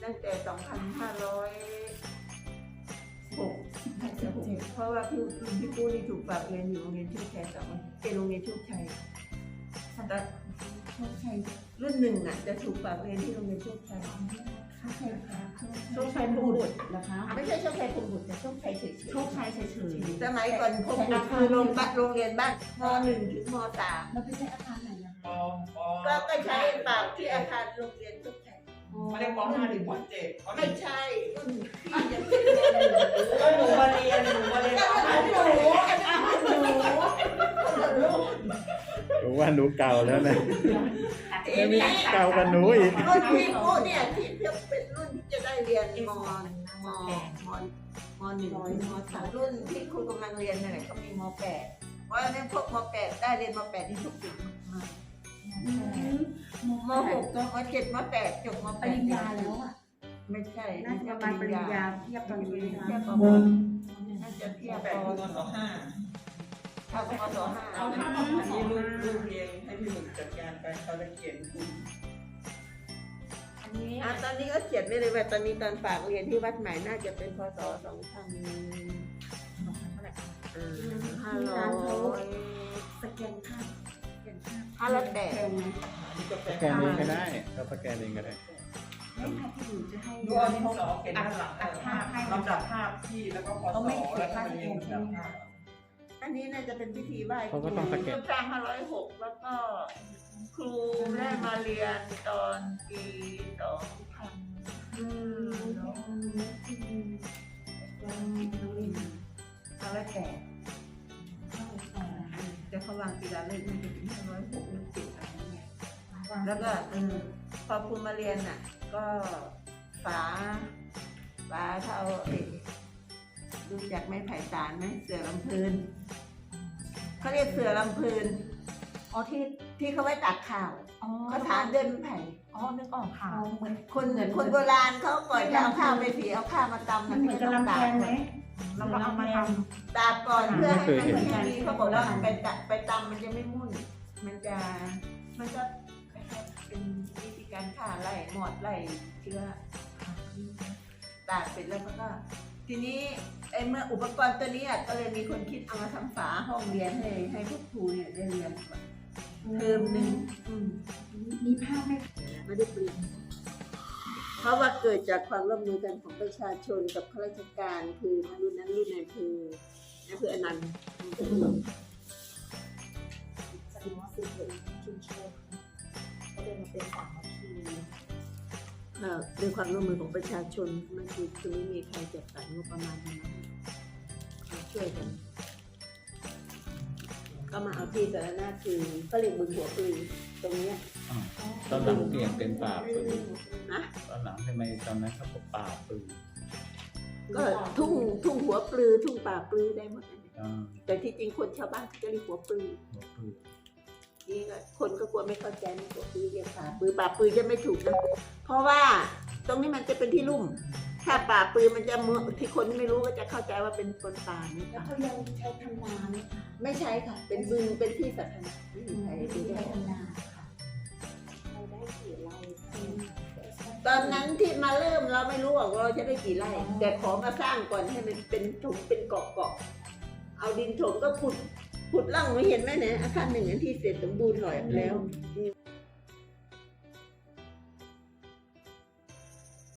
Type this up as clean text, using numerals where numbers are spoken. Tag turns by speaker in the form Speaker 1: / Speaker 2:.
Speaker 1: ตั้งแต่ 2506 เพราะว่าพี่ปูนี่ถูกฝากเรียนอยู่โรงเรียนโชคชัยเป็นโรงเรียนโชคชัยแต่โชคชัยรุ่นหนึ่งน่ะจะถูกฝากเรียนที่โรงเรียนโชคชัยโชคชัยพรหมบุตร
Speaker 2: นะคะ
Speaker 1: ไม่ใช่โชคชัยพรหมบุตรแต่โชคชัยเฉยๆ
Speaker 2: โชคชัยเฉยๆ
Speaker 1: สมัยก่อนพรหมบุตรคือโรงเรียนบ้านม.1 ถึงม.3
Speaker 2: เราไปใช้อาคารไหนนะคะ
Speaker 1: ก็ใช้ฝากที่อาคารโรงเรียนโชคชัย
Speaker 3: ไม่ได้ป .5 ถึงป .7
Speaker 1: ไม่ใช่รุ่นพี่ยังเป็นม.1
Speaker 3: ก็หนูมาเรียนป
Speaker 4: รู้ว่าหนูเก่าแล้วนะ
Speaker 1: ทีนี้
Speaker 4: เก่ากันหนูอีก
Speaker 1: รุ่นพี่ปูเนี่ยที่เป็นรุ่นที่จะได้เรียนม.1 ถึงม.3 รุ่นที่คุณกำลังเรียนเนี่ยก็มีม.8 เพราะฉะนั้นพวกม.8 ได้เรียนม.8 ที่ถูกจุดมากม.6 ม.7 ม.8 จบม.8
Speaker 2: ปริญญาแล้วอ่ะ
Speaker 1: ไม่ใช่
Speaker 2: น่าจะประมาณปริญญาเทียบตอนนี้นะ
Speaker 1: เทียบ
Speaker 2: คะ
Speaker 1: ป.น่าจะเทียบ
Speaker 3: .8
Speaker 1: ป.
Speaker 3: คือมศ
Speaker 1: ถ้าป.ศ
Speaker 3: .5 เอาถ้าอันนี้ลูกเรียนให้พี่หนุ่มจัดการไปเขาจะเขียนคุณ
Speaker 2: อันนี้
Speaker 1: ตอนนี้ก็เขียนไม่เลยว่าตอนนี้ตอนฝากเรียนที่วัดใหม่น่าจะเป็นพศ
Speaker 2: สแกนภาพ
Speaker 1: 500
Speaker 2: แพงไหม
Speaker 4: สแกนเองก็ได้เราสแกนเองก็ได้
Speaker 2: ไม่ค่ะที่หนูจะให้
Speaker 3: ดูเอาที่สอเขียนด้านหลังลำดับภาพที่แล้วก็พศแล้วก็เรียงลำดับภาพ
Speaker 1: อันนี้น่าจะเป็นพิธีไหว้ค
Speaker 4: เขาก็ต้องสแกน
Speaker 1: สร้าง506แล้วก็ครูได้มาเรียนตอนปีจะเขาวางปีละเลขมันจะเป็น506หรือ7อะไรเงี้ยแล้วก็พอครูมาเรียนน่ะก็ฝาเท่ารู้จักไม้ไผ่สารไหมเสือลำพูนเขาเรียกเสือลำพูน
Speaker 2: อ๋อ
Speaker 1: ที่เขาไว้ตักข้าวเขาฐานเดินไผ่
Speaker 2: อ๋อนึกออกค่ะเหมือน
Speaker 1: คนโบราณเขาก่อนจะเอาข้าวไปสีเอาข้าวมาตำ
Speaker 2: มันเหมือนกับลำแพงไหมเราก็เอามาท
Speaker 1: ตากก่อนเพื่อให้มันแห้งดีเขาบอกว่าไปตำมันจะไม่มุ่นมันก็เป็นวิธีการฆ่าไล่หมอดไล่เชื้อตากเสร็จแล้วก็ทีนี้เมื่ออุปกรณ์ตัวนี้ก็เลยมีคนคิดเอามาทำฝาห้องเรียนให้พวกครูเนี่ยได้เรียนเทอมหนึ่ง
Speaker 2: มีภาพไหม
Speaker 1: ไม่ได้เปลี่ยนเพราะว่าเกิดจากความร่วมมือกันของประชาชนกับข้าราชการคือรุ่นนั้นรุ่นนั้นคืออนันต์
Speaker 2: แสดงว่าสื่อเผยชุมชนก็เลยมาเป็นสามัคคี
Speaker 1: ด้วยความร่วมมือของประชาชนมันคือไม่มีใครจัดสรรงบประมาณมาช่วยกันก็มาเอาที่สาธารณะคือก็เรียกบึงหัวปืนตรงนี้
Speaker 4: ตอนหลังเปลี่ยนเป็นป่าปืน
Speaker 1: นะ
Speaker 4: ตอนหลังทำไมตอนนั้นเขาบอกป่าปืน
Speaker 1: ก็ทุ่งหัวปลือทุ่งป่าปลือได้หมดเลย
Speaker 4: อ่า
Speaker 1: แต่ที่จริงคนชาวบ้านเขาจะเรียกหัวปลือ
Speaker 4: หัวปืน
Speaker 1: นี่ก็คนก็กลัวไม่เข้าใจในหัวปลือเรียกป่าปลือจะไม่ถูกนะเพราะว่าตรงนี้มันจะเป็นที่ลุ่มถ้าป่าปลือมันจะที่คนไม่รู้ก็จะเข้าใจว่าเป็นคนป่านี่
Speaker 2: แล้ว
Speaker 1: ค่ะ
Speaker 2: เขายังใช้ทำนาไหมคะ
Speaker 1: ไม่ใช่ค่ะ เป็นบึงเป็นที่สาธารณะไม่มีใครดูได้
Speaker 2: ใช้ทำนาค่ะเราได้กี่ไร่
Speaker 1: ตอนนั้นที่มาเริ่มเราไม่รู้ว่าเราจะได้กี่ไร่แต่ขอมาสร้างก่อนให้มันเป็นถมเป็นเกาะเอาดินถมก็ขุดร่องไม่เห็นไหมเนี่ยอาคารหนึ่งอันที่เสร็จสมบูรณ์หน่อยแล้ว